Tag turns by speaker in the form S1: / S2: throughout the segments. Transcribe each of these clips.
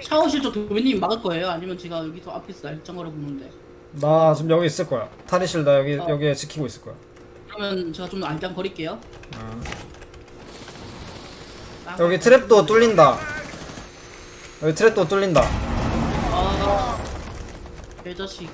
S1: 샤워실 쪽 도배님 막을 거예요? 아니면 제가 여기서 앞에서 날짱거려 보는데.
S2: 나 지금 여기 있을 거야. 탈의실 나 여기에 지키고 있을 거야.
S1: 그러면 제가 좀 알짱 거릴게요.
S2: 여기 트랩도 뚫린다. 여기 트랩도 뚫린다.
S1: 아, 개자식.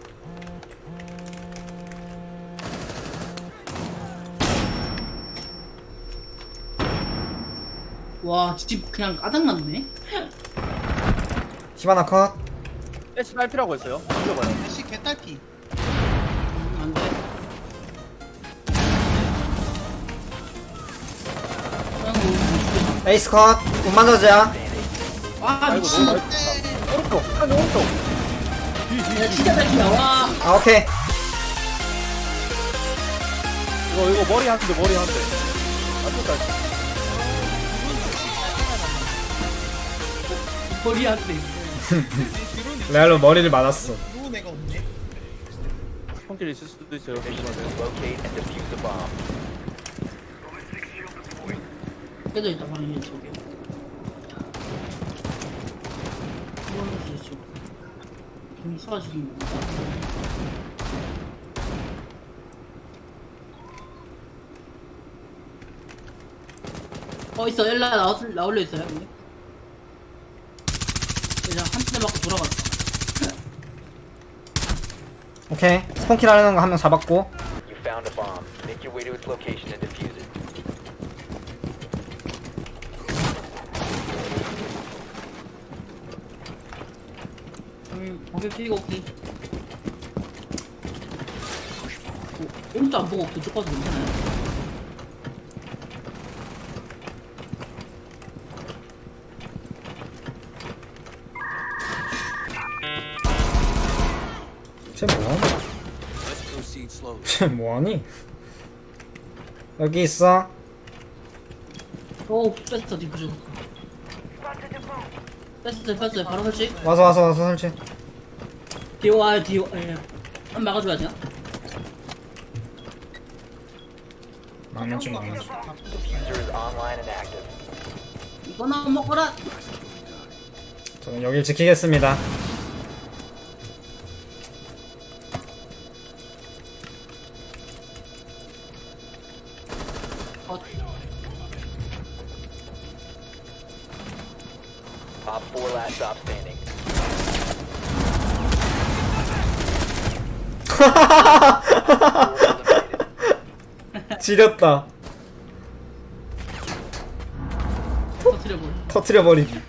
S1: 와, 집 그냥 까닥났네.
S2: 히바나 컷.
S3: 애쉬 딸피라고 했어요. 돌려봐요.
S4: 애쉬 개딸피.
S1: 안 돼.
S2: 에이스 컷. 운만저지야.
S1: 와,
S3: 아이고
S1: 미친.
S3: 너무 맛있다. 오른쪽. 한 오른쪽.
S1: 야, 진짜 딸피야. 와.
S2: 아 오케이.
S3: 이거 머리 한 대. 아주 딸피.
S1: 머리한테.
S2: 레알로 머리를 맞았어.
S4: 누운 애가 없네.
S3: 손길 있을 수도 있어요.
S1: 깨져 있다, 방이 저기. 뭐지, 좀 쏴지는 거. 있어. 엘라 나올려 있어요, 여기. 그냥 한 대 맞고 돌아갔어.
S2: 오케이. 스폰킬 하려는 거 한 명 잡았고.
S5: You found a bomb. Make your way to its location and defuse it.
S1: 거기 피고 오케이. 오른쪽 안 보고 그쪽 가서 괜찮아요.
S2: 쟤 뭐하니? 쟤 뭐하니? 여기 있어.
S1: 오, 뺐어, 디프즈. 뺐어요. 바로 설치.
S2: 와서 설치.
S1: 뒤에 와요, 뒤에 와. 예. 한 막아줘야 되나?
S2: 망치.
S5: Diffuser is online and active.
S1: 이거나 먹어라.
S2: 저는 여길 지키겠습니다.
S5: Op 4 last stop standing.
S2: 지렸다.
S1: 터트려버려.
S2: 터트려버리기.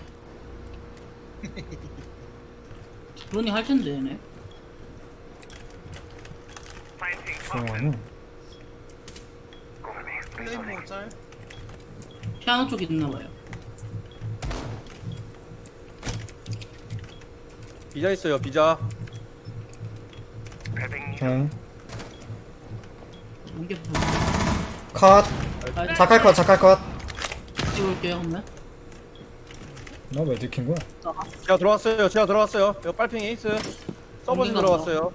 S1: 그러니 할 텐데, 얘네.
S2: 조용하네.
S4: 플레이모 짤.
S1: 피아노 쪽에 있나봐요.
S3: 비자 있어요. 비자.
S2: 오케이.
S1: 이게
S2: 컷.
S1: 아,
S2: 자칼 컷.
S1: 찍을게요, 그러면.
S2: 너 왜 들킨 거야?
S3: 제가 들어왔어요. 이거 빨핑 에이스. 서버진
S1: 어딘가
S3: 들어갔어요.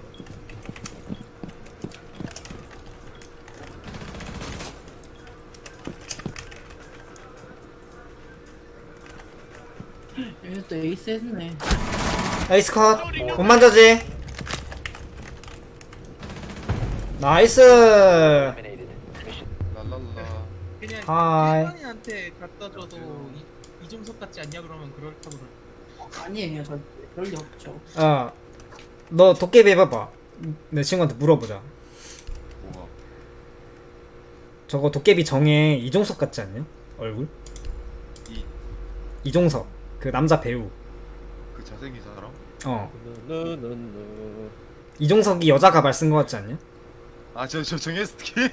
S1: 얘네 또 에이스 했네.
S2: 에이스 컷. 운만저지. 나이스.
S5: Eliminated. Mission
S4: 랄랄라. 그냥
S2: 하이.
S4: 일반인한테 갖다 줘도 이종석 같지 않냐 그러면 그렇다고 그럴.
S1: 아니에요, 저 그럴 리 없죠.
S2: 너 도깨비 해봐봐. 내 친구한테 물어보자.
S6: 뭐가?
S2: 저거 도깨비 정에 이종석 같지 않냐? 얼굴? 이종석. 그 남자 배우.
S6: 그 잘생긴 사람?
S2: 이종석이 여자 가발 쓴 거 같지 않냐?
S6: 저 정혜스킨?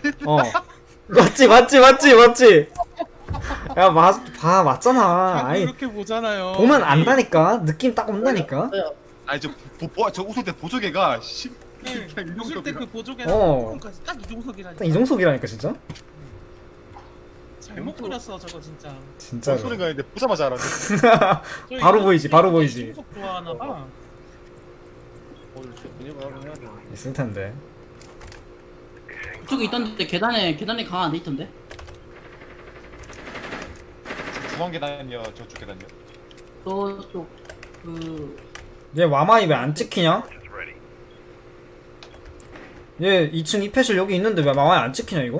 S2: 맞지. 야, 봐, 맞잖아. 아니,
S4: 이렇게 보잖아요.
S2: 보면 안다니까? 느낌 딱 온다니까?
S6: 저 웃을 때 보조개가
S4: 네,
S6: 그냥
S4: 웃을 때 그
S6: 이종석이라.
S4: 보조개랑 까지 딱 이종석이라니까.
S2: 딱 이종석이라니까, 진짜?
S4: 잘못 그렸어 저거 진짜.
S2: 진짜로.
S6: 소리가 있는데 보자마자 알았네.
S4: 저
S2: 바로
S4: 이거
S2: 보이지, 바로 보이지.
S4: 이종석 좋아하나 봐.
S3: 분위기가 하면 해야 돼.
S2: 있을 텐데.
S1: 그쪽에 있던데 계단에 강 안 돼 있던데.
S6: 중앙 계단이요, 저쪽 계단이요.
S1: 저쪽
S2: 얘 와마이 왜 안 찍히냐? 얘 2층 이패실 여기 있는데 왜 와마이 안 찍히냐 이거?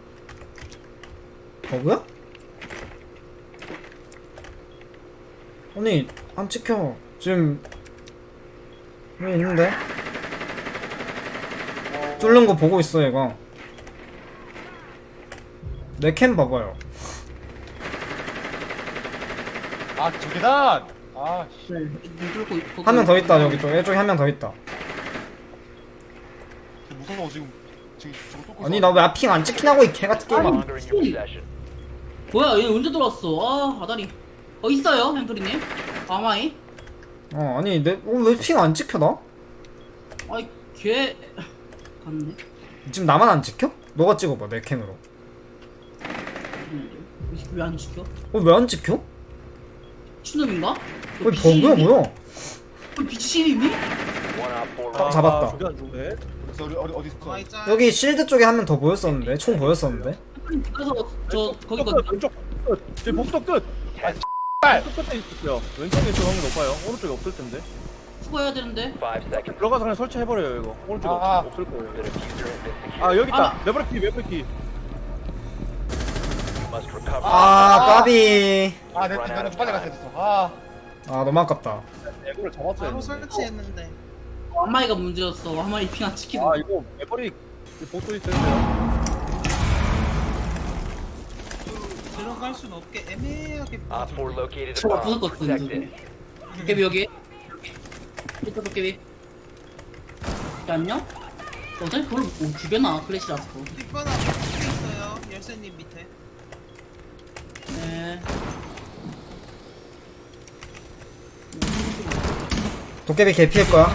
S2: 버그야? 아니 안 찍혀. 지금 여기 있는데 뚫는 거 보고 있어 얘가. 내 캠 봐봐요.
S6: 아 저 계단. 아 씨.
S1: 네, 문 뚫고 있고.
S2: 한 명 더 있다 여기 쪽. 이쪽에 한 명 더 있다.
S6: 무서워 지금 저거 뚫고
S2: 아니
S6: 있어.
S2: 나 왜 핑 안 찍히냐고 이 개같은 게임아.
S5: Longer in your possession.
S1: 뭐야 얘 언제 들어왔어? 아 아다리. 있어요 햄프리님. 아마이.
S2: 아니 왜 핑 안 찍혀 나?
S1: 아이 걔 갔네.
S2: 지금 나만 안 찍혀? 너가 찍어봐 내 캠으로.
S1: 왜 안 지켜?
S2: 왜 안 찍혀?
S1: 추놈인가?
S2: 왜 버그야 뭐야?
S1: 비치신이니?
S5: One op 4
S2: 딱 잡았다.
S3: 저게 안 죽네.
S6: 그래서 어디 있어?
S4: 가만히 있자.
S2: 여기 실드 쪽에 한 명 더 보였었는데 총 보였었는데.
S1: 그래서 저 거기
S3: 끝,
S1: 거
S3: 왼쪽 끝. 제 복도 끝. 아, 끝 끝에 있었어요. 왼쪽에 있을 확률 높아요. 오른쪽에 없을 텐데.
S1: 수거해야 되는데.
S5: 5 seconds.
S3: 들어가서 그냥 설치해버려요 이거. 오른쪽에
S6: 아.
S3: 없을 거예요.
S5: The diffuser has been secured.
S3: 아 여기 있다.
S1: 아.
S3: 레버리키.
S5: You must recover.
S2: 까비.
S6: 아 내가 나는 빨리 갔어야 됐어. 아
S2: 너무 아깝다.
S3: 이거를 잡았어야
S4: 바로
S3: 했는데.
S4: 설치했는데.
S1: 아마이가 문제였어. 아마이 핑 안 찍히는.
S3: 아 이거 레버리 복도 있어요.
S4: 들어갈 순 없게 애매하게.
S5: Op 4 located a
S1: 저거
S5: bomb.
S1: 부술 것 같은데.
S5: Protect it.
S1: 도깨비 여기. 이따 도깨비. 안녕? 어차피 그걸 못 죽여놔 클래시라서.
S4: 뒷바닥 밑에 있어요. 열쇠님 밑에.
S1: 네.
S2: 도깨비 개피일 거야.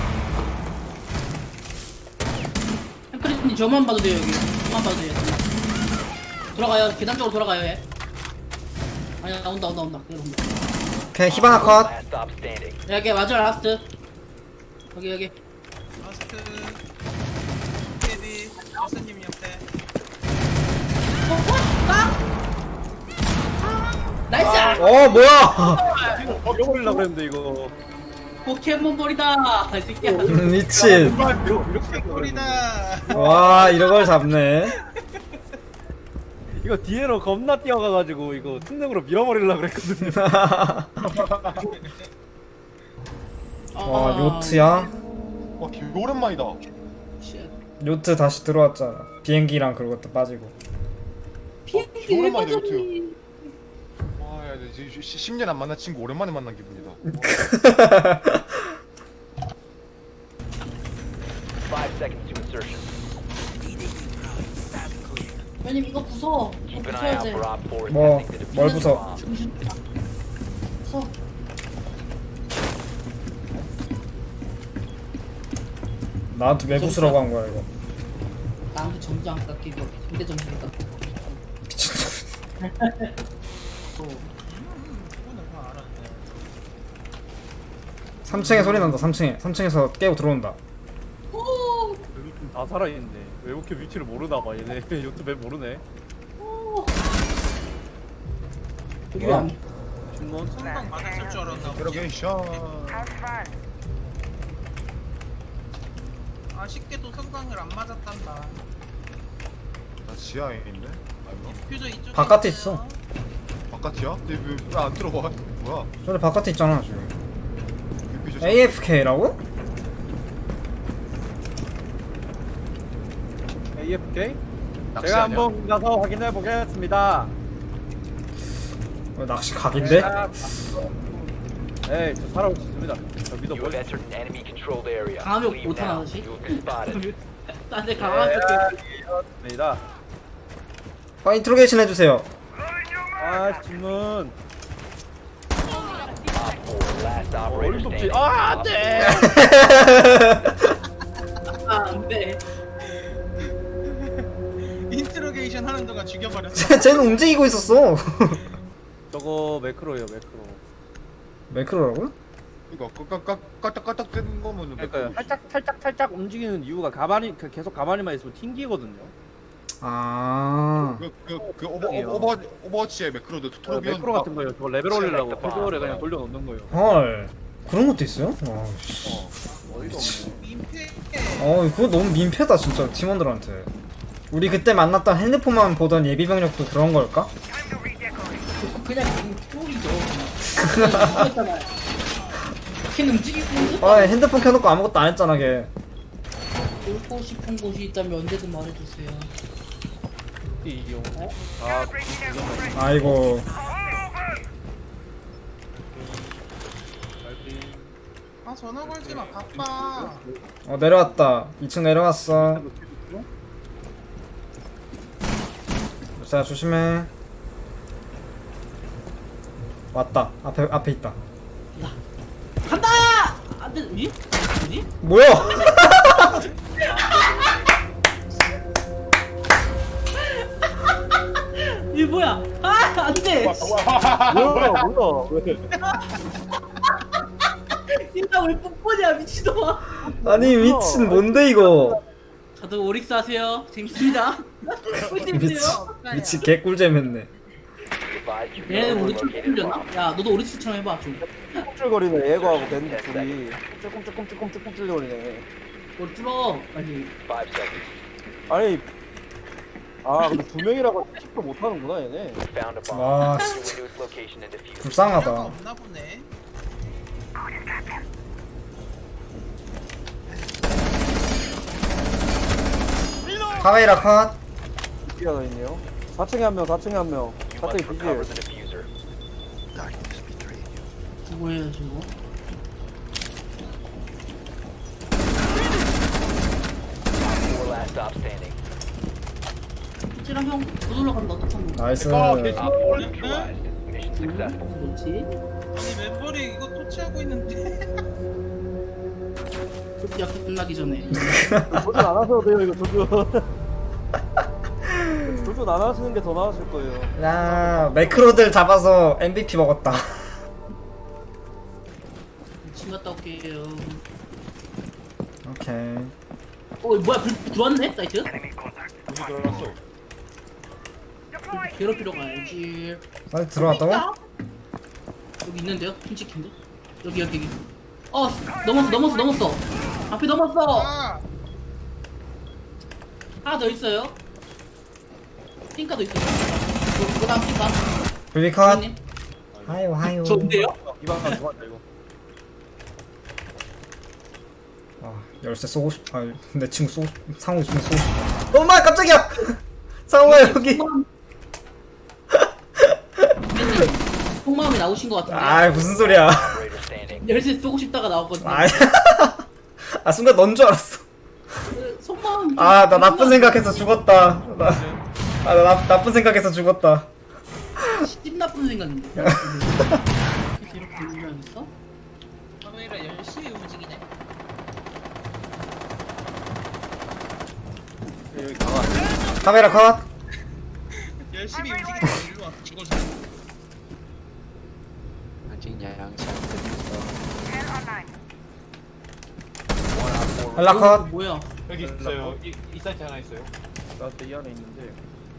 S1: 햄프리님 저만 봐도 돼요 여기. 저만 봐도 돼요. 돌아가요. 계단 쪽으로 돌아가요 얘. 아니야 온다. 그래 온다.
S2: 오케이 히바나 컷.
S5: Last stop standing.
S1: 여기 마지막 라스트. 여기.
S4: 마스크. 도깨비. 열쇠님 옆에.
S1: 나이스!
S2: 뭐야?
S3: 먹여버리려고 그랬는데 이거.
S1: 포켓몬볼이다! 이 새끼야.
S2: 미친.
S3: 이렇게
S4: 꼬리다.
S2: 와 이런 걸 잡네.
S3: 이거 뒤에로 겁나 뛰어가가지고 이거 특능으로 밀어버리려고 그랬거든요.
S2: 와 요트야?
S6: 개 오랜만이다.
S1: 쉣.
S2: 요트 다시 들어왔잖아. 비행기랑 그런 것도 빠지고.
S1: 비행기 왜
S6: 오랜만이다,
S1: 빠졌니?
S6: 와야 10년 안 만난 친구 오랜만에 만난 기분이다.
S5: 5 seconds to insertion.
S1: 왜냐면 이거 부숴. 이거
S5: Keep an eye
S1: 부숴야
S5: out
S1: 돼.
S5: for Op 4
S2: 뭐,
S5: attempting to defuse
S2: 뭘
S5: the
S2: 부숴?
S5: bomb.
S1: 정신 부숴.
S2: 나한테 왜 부수라고 한 거야 이거.
S1: 나한테 점수 안 깎이고 근데 점수 깎이고.
S4: 이거는 다 알았네.
S2: 3층에 소리 난다. 3층에서 깨고 들어온다.
S1: 오!
S3: 여기 좀 다 살아있네. 왜 이렇게 위치를 모르나봐 얘네. 요트 맵 모르네.
S1: 오! 여기
S2: 뭐야?
S1: 안
S3: 중론.
S4: 성광 맞았을 줄 알았나 보지.
S6: 데로게이션.
S4: 아쉽게도 성광을 안 맞았단다.
S6: 나 지하에 있네. 아이고
S4: 디퓨저 이쪽에
S2: 바깥에
S4: 있어요.
S6: 바깥이야? 근데 왜안 들어와? 뭐야?
S2: 저기 바깥에 있잖아 지금.
S6: 삐삐
S2: AFK라고?
S3: AFK?
S6: 낚시
S3: 제가
S6: 아니야?
S3: 한번 가서 확인해 보겠습니다.
S2: 낚시 각인데?
S3: 네, 저 살아올 수 있습니다. 저
S5: You have
S3: 믿어보세요.
S5: entered an enemy controlled area.
S1: 강압이
S5: Leave
S1: 못하나,
S5: now.
S1: 다시?
S5: You have been spotted.
S1: 나한테 강아지
S3: 니다
S2: 인트로게이션 해주세요.
S3: 아, 질문.
S5: Op 4, last operator
S3: 어림없지.
S5: standing.
S3: 아, 안 돼!
S1: 안돼.
S4: 인트로게이션 하는 동안 죽여버렸어.
S2: 쟤는 움직이고 있었어.
S3: 저거 매크로예요, 매크로.
S2: 매크로라고요?
S6: 이거 까딱까딱 되는 거면
S3: 그러니까 살짝 움직이는 이유가 가만히 계속 가만히만 있으면 튕기거든요.
S2: 아.
S6: 그
S3: 이상해요.
S6: 오버워치의 매크로도
S3: 저
S6: 토르비온
S3: 매크로 같은 거예요. 저거 레벨 올리려고 패드를 그냥 돌려놓는 거예요.
S2: 헐. 그런 것도 있어요? 와, 씨.
S4: 민폐.
S2: 그거 너무 민폐다 진짜 팀원들한테. 우리 그때 만났던 핸드폰만 보던 예비병력도 그런 걸까?
S1: 그냥 쫄이죠. 그냥 걔는 움직이고
S2: 아 핸드폰 켜놓고 아무것도 안 했잖아 걔.
S1: 놀고 싶은 곳이 있다면 언제든 말해주세요.
S3: 이용.
S2: 아이고
S4: 아 전화 걸지 마. 바빠.
S2: 내려왔다. 2층 내려왔어. 자 조심해. 왔다. 앞에 있다.
S1: 간다! 안돼 위? 뭐지?
S2: 뭐야?
S1: 이 뭐야? 아 안돼!
S3: 뭐야 왜?
S1: 이나 왜 뽀뽀냐 미친놈아!
S2: 아니 미친 뭔데 이거?
S1: 다들 오릭스 하세요. 재밌습니다. 꿀잼이세요.
S2: 미친 개꿀잼했네.
S5: Advise you
S1: 얘는
S5: know
S1: 오릭스
S5: located
S1: 꿀잼이었나?
S5: bomb.
S1: 야 너도 오릭스처럼 해봐 좀.
S7: 꿈틀거리네 얘거하고 밴드 둘이 꿈틀거리네.
S1: 뭘 뚫어 빨리.
S5: 5 seconds.
S7: 아니 근데 두 명이라고 킥도 못하는구나 얘네.
S5: Found a bomb.
S2: 와
S5: Make your way to its location and defuse it.
S2: 불쌍하다.
S4: 없나 보네.
S2: 카메라 컷.
S7: B가 더 있네요. 4층에 한 명, 4층에 한 명.
S5: You
S7: 4층에
S5: must recover
S7: 비질.
S5: the diffuser.
S1: 뭐 해야지 뭐?
S5: Four last stop standing.
S1: 찌랑 형 못 올라간다 어떡하면.
S2: 나이스.
S5: Op 4 neutralized. Mission successful.
S1: 뭐지?
S4: 아니 멤버리 이거 토치하고 있는데.
S1: 약속 끝나기 전에.
S7: 조준 안 하셔도 돼요, 이거 조준. 조준 안 하시는 게 더 나으실 거예요.
S2: 야 매크로들 잡아서 MVP 먹었다.
S1: 집 갔다 올게요.
S2: 오케이.
S1: 뭐야 불 들어왔네 사이트?
S6: 어디 들어갔어?
S1: 괴롭히러 가야지.
S2: 사이트 들어왔다고?
S1: 여기 있는데요? 핀치킨데? 여기. 넘었어. 앞에 넘었어.
S4: 아
S1: 하나 더 있어요. 핑카도 있어요. 그다음 핑카.
S2: 불비 컷.
S1: 형님.
S2: 하요.
S1: 좋은데요?
S3: 이방 안 좋았다 이거.
S2: 열쇠 쏘고 싶. 내 친구 상호 있으면 쏘고 싶다. 엄마 깜짝이야. 상호야 여기.
S1: 속마음이 나오신 것 같은데.
S2: 무슨 소리야.
S5: Operator standing.
S1: 열쇠 쏘고 싶다가 나왔거든요.
S2: 순간 넌 줄 알았어.
S1: 속마음.
S2: 나 나쁜 생각해서 죽었다. 나 나쁜 생각해서 죽었다.
S1: 씹 나쁜 생각인데. 그래서 이렇게 운전했어?
S4: 카메라 열심히 움직이네.
S3: 여기 강아.
S2: 카메라 컷.
S4: 열심히 움직이네. 일로 와 죽어줘.
S2: 연락 컷.
S1: 뭐야?
S6: 여기 있어요. 이 사이트 하나 있어요.
S3: 나한테 이 안에 있는데.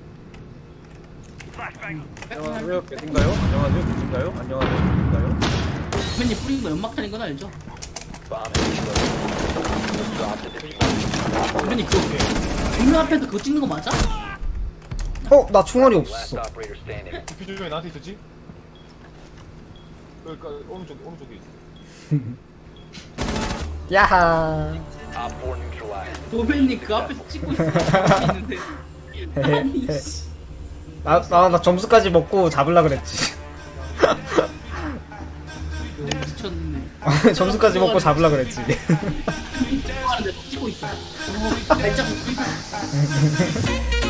S1: 음.
S3: 안녕하세요, 계신가요? 안녕하세요, 계신가요? 안녕하세요, 계신가요?
S1: 선배님 뿌린 거 연막탄인 건 알죠?
S5: Bomb is exploded. Drop the diffuser.
S1: 선배님 그거 정면 앞에서 그거 찍는 거 맞아?
S2: 나 총알이
S5: Last
S2: 없었어.
S5: operator standing.
S6: 디퓨저 왜 나한테 있었지? 그러니까 오른쪽에 있어.
S2: 야하.
S5: Op 4 neutralized.
S1: 도배님 그 앞에서 찍고 있는데. 아니 씨.
S2: 나 점수까지 먹고 잡으려 그랬지.
S1: 미쳤네.
S2: 점수까지 먹고 잡으려 그랬지.
S1: 찍고 있어. 발자국.